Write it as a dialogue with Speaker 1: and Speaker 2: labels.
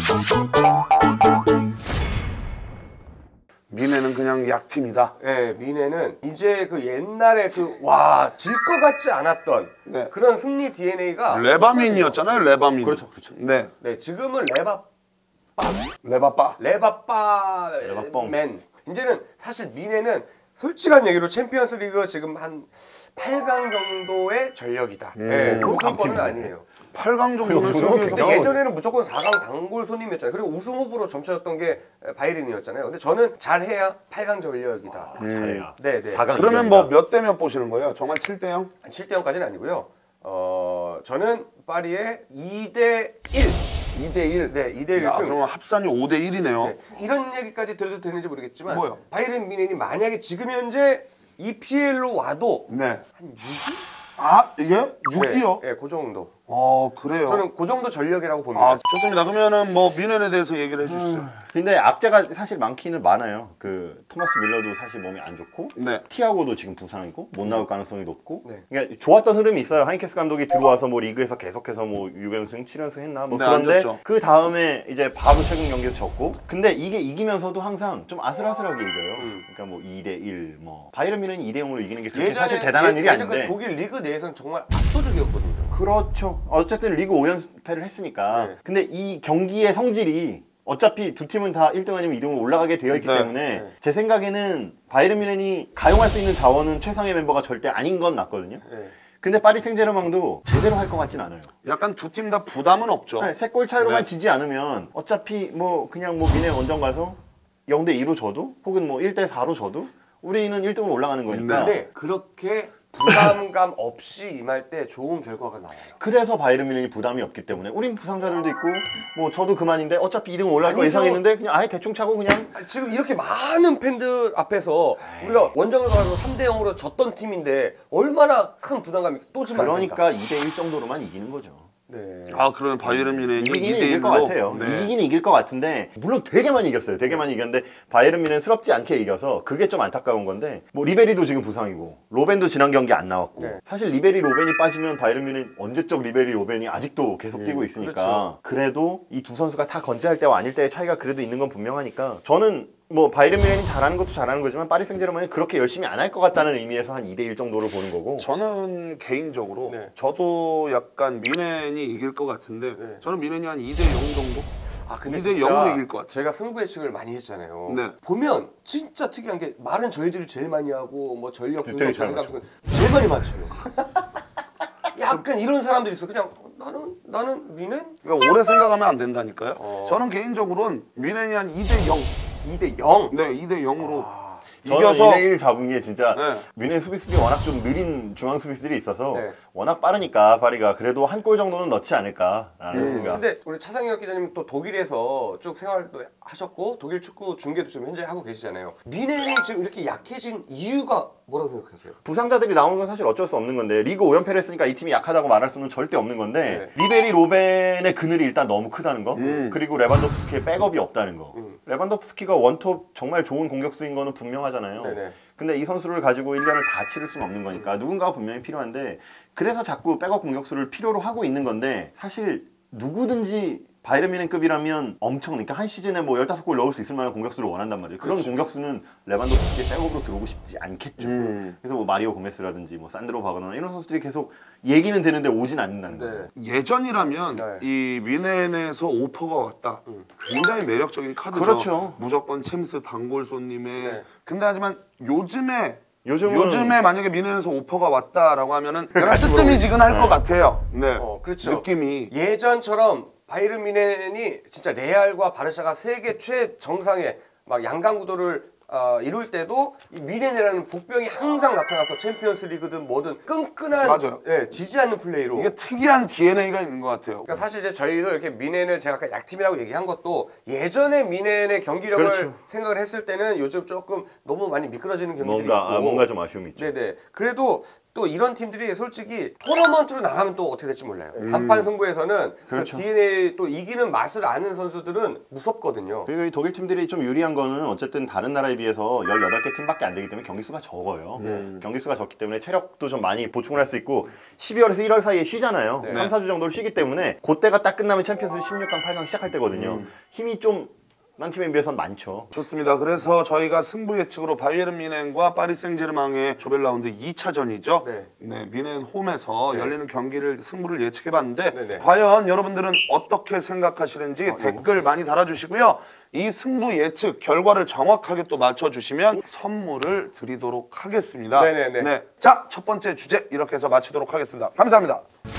Speaker 1: 미네는 그냥 약팀이다.
Speaker 2: 네, 미네는 이제 그 옛날에 질 것 같지 않았던
Speaker 1: 네.
Speaker 2: 그런 승리 DNA가
Speaker 1: 레바민이었잖아요, 레바민.
Speaker 2: 그렇죠, 그렇죠.
Speaker 1: 네.
Speaker 2: 네, 지금은
Speaker 1: 레바빠.
Speaker 2: 레바빠맨. 이제는 사실 미네는 솔직한 얘기로 챔피언스 리그 지금 한 8강 정도의 전력이다. 네, 우승권은 아니에요.
Speaker 1: 8강 정도는 수영에서.
Speaker 2: 근데 예전에는 무조건 4강 단골 손님이었잖아요. 그리고 우승 후보로 점쳐졌던 게 바이에른이었잖아요. 근데 저는 잘해야 8강 전력이다.
Speaker 3: 잘해야.
Speaker 2: 네.
Speaker 1: 그러면 뭐 몇 대 몇 보시는 거예요? 정말 7대 0?
Speaker 2: 7대 0까지는 아니고요. 저는 파리의 2대 1.
Speaker 1: 2대 1?
Speaker 2: 네, 2대 1 승.
Speaker 1: 그러면 합산이 5대 1이네요.
Speaker 2: 네, 이런 얘기까지 드려도 되는지 모르겠지만
Speaker 1: 뭐요?
Speaker 2: 바이에른 뮌헨이 만약에 지금 현재 EPL로 와도
Speaker 1: 네.
Speaker 2: 한 6위?
Speaker 1: 이게 6위요?
Speaker 2: 네, 그 정도.
Speaker 1: 그래요.
Speaker 2: 저는 그 정도 전력이라고 봅니다.
Speaker 1: 좋습니다. 그러면은 뭐 미넨에 대해서 얘기를 해주시죠.
Speaker 3: 근데 악재가 사실 많기는 많아요. 그 토마스 밀러도 사실 몸이 안 좋고,
Speaker 1: 네.
Speaker 3: 티아고도 지금 부상이고 못 나올 가능성이 높고,
Speaker 2: 네.
Speaker 3: 그러니까 좋았던 흐름이 있어요. 하인케스 감독이 들어와서 뭐 리그에서 계속해서 뭐 6연승, 7연승 했나 뭐
Speaker 1: 네,
Speaker 3: 그런데
Speaker 1: 안 좋죠.
Speaker 3: 그 다음에 이제 바로 최근 경기에서 졌고, 근데 이게 이기면서도 항상 좀 아슬아슬하게 이겨요. 그러니까 뭐 2대 1, 뭐 바이에른 뮌헨이 2대 0으로 이기는 게 그렇게 사실 대단한 일이 아닌데.
Speaker 2: 그 독일 리그 내에서는 정말 압도적이었거든요.
Speaker 3: 그렇죠. 어쨌든 리그 5연패를 했으니까.
Speaker 2: 네.
Speaker 3: 근데 이 경기의 성질이 어차피 두 팀은 다 1등 아니면 2등으로 올라가게 되어 있기
Speaker 1: 네.
Speaker 3: 때문에 제 생각에는 바이에른 뮌헨이 가용할 수 있는 자원은 최상의 멤버가 절대 아닌 건 맞거든요.
Speaker 2: 네.
Speaker 3: 근데 파리 생제르맹도 제대로 할 것 같진 않아요.
Speaker 1: 약간 두 팀 다 부담은 없죠.
Speaker 3: 네, 3골 차이로만
Speaker 1: 네.
Speaker 3: 지지 않으면 어차피 뭐 그냥 뭐 뮌헨 원정 가서 0대 2로 져도 혹은 뭐 1대 4로 져도 우리는 1등으로 올라가는 거니까.
Speaker 2: 근데 그렇게 부담감 없이 임할 때 좋은 결과가 나와요.
Speaker 3: 그래서 바이에른 뮌헨이 부담이 없기 때문에 우린 부상자들도 있고 뭐 저도 그만인데 어차피 2등 올라갈 거 예상했는데 그냥 아예 대충 차고 그냥
Speaker 2: 지금 이렇게 많은 팬들 앞에서 우리가 원정을 가서 3대 0으로 졌던 팀인데 얼마나 큰 부담감이 또 지면
Speaker 3: 그러니까 2대 1 정도로만 이기는 거죠.
Speaker 2: 네.
Speaker 1: 그러면 바이에른 뮌헨이
Speaker 3: 이기긴
Speaker 1: 2대
Speaker 3: 이길
Speaker 1: 1로
Speaker 3: 것 같아요.
Speaker 1: 네.
Speaker 3: 이기긴 이길 것 같은데 물론 되게 많이 이겼어요. 되게 많이 이겼는데 바이에른 뮌헨스럽지 않게 이겨서 그게 좀 안타까운 건데 뭐 리베리도 지금 부상이고 로벤도 지난 경기 안 나왔고
Speaker 2: 네.
Speaker 3: 사실 리베리 로벤이 빠지면 바이에른 뮌헨 언제적 리베리 로벤이 아직도 계속 뛰고 있으니까
Speaker 2: 그렇죠.
Speaker 3: 그래도 이 두 선수가 다 건재할 때와 아닐 때의 차이가 그래도 있는 건 분명하니까 저는 뭐 바이에른 뮌헨이 잘하는 것도 잘하는 거지만 파리 생제르맹이 그렇게 열심히 안 할 것 같다는 의미에서 한 2대 1 정도를 보는 거고.
Speaker 1: 저는 개인적으로
Speaker 2: 네.
Speaker 1: 저도 약간 뮌헨이 이길 것 같은데
Speaker 2: 네.
Speaker 1: 저는 뮌헨이 한 2대 0 정도?
Speaker 2: 근데
Speaker 1: 2대
Speaker 2: 진짜
Speaker 1: 0으로 이길 것 같아요.
Speaker 2: 제가 승부 예측을 많이 했잖아요.
Speaker 1: 네.
Speaker 2: 보면 진짜 특이한 게 말은 저희들이 제일 많이 하고 뭐 전력 분석
Speaker 3: 되게 잘
Speaker 2: 제일 많이 맞춰요. 약간 이런 사람들이 있어. 그냥 나는 뮌헨?
Speaker 1: 그러니까 오래 생각하면 안 된다니까요. 저는 개인적으로는 뮌헨이 한 2대 0.
Speaker 2: 2대 0.
Speaker 1: 네, 2대 0으로
Speaker 3: 저는
Speaker 1: 이겨서
Speaker 3: 2대1 잡은 게 진짜
Speaker 1: 네.
Speaker 3: 뮌헨 수비수들이 워낙 좀 느린 중앙 수비수들이 있어서
Speaker 2: 네.
Speaker 3: 워낙 빠르니까 파리가 그래도 한 골 정도는 넣지 않을까라는 생각.
Speaker 2: 근데 우리 차상혁 기자님 또 독일에서 쭉 생활도 하셨고 독일 축구 중계도 지금 현재 하고 계시잖아요. 뮌헨이 지금 이렇게 약해진 이유가 뭐라고 생각하세요?
Speaker 3: 부상자들이 나오는 건 사실 어쩔 수 없는 건데 리그 5연패를 했으니까 이 팀이 약하다고 말할 수는 절대 없는 건데 리베리 로벤의 그늘이 일단 너무 크다는 거 그리고 레반도프스키의 백업이 없다는 거 레반도프스키가 원톱 정말 좋은 공격수인 거는 분명하잖아요.
Speaker 2: 네네.
Speaker 3: 근데 이 선수를 가지고 1년을 다 치를 수는 없는 거니까 누군가가 분명히 필요한데 그래서 자꾸 백업 공격수를 필요로 하고 있는 건데 사실 누구든지 바이에른 뮌헨급이라면 엄청 그러니까 한 시즌에 뭐 15골 넣을 수 있을 만한 공격수를 원한단 말이에요. 그런 공격수는 레반도프스키의 백업으로 들어오고 싶지 않겠죠. 그래서 뭐 마리오 고메스라든지 뭐 산드로 바거나 이런 선수들이 계속 얘기는 되는데 오진 않는다는 거예요.
Speaker 1: 예전이라면
Speaker 2: 네.
Speaker 1: 이 뮌헨에서 오퍼가 왔다. 굉장히 매력적인 카드죠.
Speaker 3: 그렇죠.
Speaker 1: 무조건 챔스 단골 손님의.
Speaker 2: 네.
Speaker 1: 근데 하지만 요즘에
Speaker 3: 요즘은
Speaker 1: 만약에 뮌헨에서 오퍼가 왔다라고 하면은 약간 뜨뜨미지근할 것 같아요. 네.
Speaker 2: 그렇죠.
Speaker 1: 느낌이.
Speaker 2: 예전처럼 바이에른 뮌헨이 진짜 레알과 바르샤가 세계 최정상의 막 양강 구도를 이룰 때도 이 뮌헨이라는 복병이 항상 나타나서 챔피언스 리그든 뭐든 끈끈한
Speaker 1: 맞아요.
Speaker 2: 지지 않는 플레이로
Speaker 1: 이게 특이한 DNA가 있는 것 같아요.
Speaker 2: 그러니까 사실 이제 저희도 이렇게 뮌헨을 제가 아까 약팀이라고 얘기한 것도 예전에 뮌헨의 경기력을
Speaker 3: 그렇죠.
Speaker 2: 생각을 했을 때는 요즘 조금 너무 많이 미끄러지는 경기들이 있고
Speaker 3: 뭔가 좀 아쉬움이 있죠.
Speaker 2: 네네. 그래도 또 이런 팀들이 솔직히 토너먼트로 나가면 또 어떻게 될지 몰라요. 단판 승부에서는
Speaker 3: 그렇죠.
Speaker 2: 그 DNA 또 이기는 맛을 아는 선수들은 무섭거든요.
Speaker 3: 그리고 이 독일 팀들이 좀 유리한 거는 어쨌든 다른 나라에 비해서 18개 팀밖에 안 되기 때문에 경기 수가 적어요. 경기 수가 적기 때문에 체력도 좀 많이 보충을 할 수 있고 12월에서 1월 사이에 쉬잖아요.
Speaker 2: 네.
Speaker 3: 3, 4주 정도를 쉬기 때문에 그때가 딱 끝나면 챔피언스 16강, 8강 시작할 때거든요. 힘이 좀 딴 팀에 비해서는 많죠.
Speaker 1: 좋습니다. 그래서 저희가 승부 예측으로 바이에른 뮌헨과 파리 생제르맹의 조별 라운드 2차전이죠.
Speaker 2: 네.
Speaker 1: 뮌헨 홈에서 열리는 경기를 승부를 예측해봤는데
Speaker 2: 네.
Speaker 1: 과연 여러분들은 어떻게 생각하시는지 댓글 많이 달아주시고요. 이 승부 예측 결과를 정확하게 또 맞춰주시면 선물을 드리도록 하겠습니다.
Speaker 2: 네네네.
Speaker 1: 네. 자, 첫 번째 주제 이렇게 해서 마치도록 하겠습니다. 감사합니다.